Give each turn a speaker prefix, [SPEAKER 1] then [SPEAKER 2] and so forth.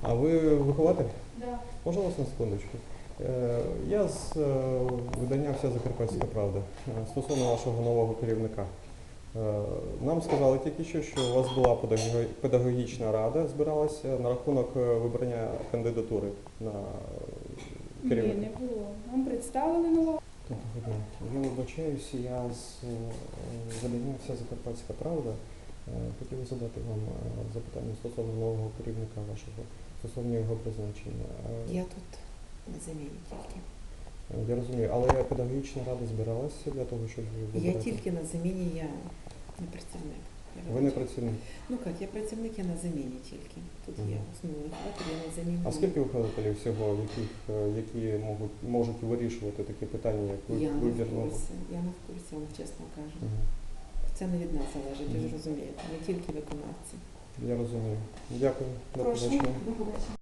[SPEAKER 1] А ви вихователь?
[SPEAKER 2] Да.
[SPEAKER 1] Можна вас на секундочку? Я з видання «Вся Закарпатська правда» стосовно вашого нового керівника. Нам сказали тільки що у вас була педагогічна рада, збиралася на рахунок вибрання кандидатури на керівника.
[SPEAKER 2] Ні, не було. Нам представили нового.
[SPEAKER 1] Доброго дня. Я вибачаюся, я з видання «Вся Закарпатська правда». Хотів задати вам запитання стосовно нового керівника вашого, стосовно його призначення.
[SPEAKER 3] Я тут на заміні тільки.
[SPEAKER 1] Я розумію, але педагогічна рада збиралася для того, щоб вибирати?
[SPEAKER 3] Я тільки на заміні, я не працівник.
[SPEAKER 1] Ви не працівник?
[SPEAKER 3] Ну як, я працівник, я на заміні тільки. Тут є основний вихователь, я на заміні.
[SPEAKER 1] А скільки вихователів всього, які можуть вирішувати такі питання, як
[SPEAKER 3] Я не в
[SPEAKER 1] вибір?
[SPEAKER 3] курсі, я не в курсі, вам чесно кажу.
[SPEAKER 1] Угу.
[SPEAKER 3] Це не від нас залежить, ви ж розумієте, ми тільки виконавці.
[SPEAKER 1] Я розумію. Дякую. До
[SPEAKER 2] Прошу.
[SPEAKER 1] побачення.
[SPEAKER 2] До побачення.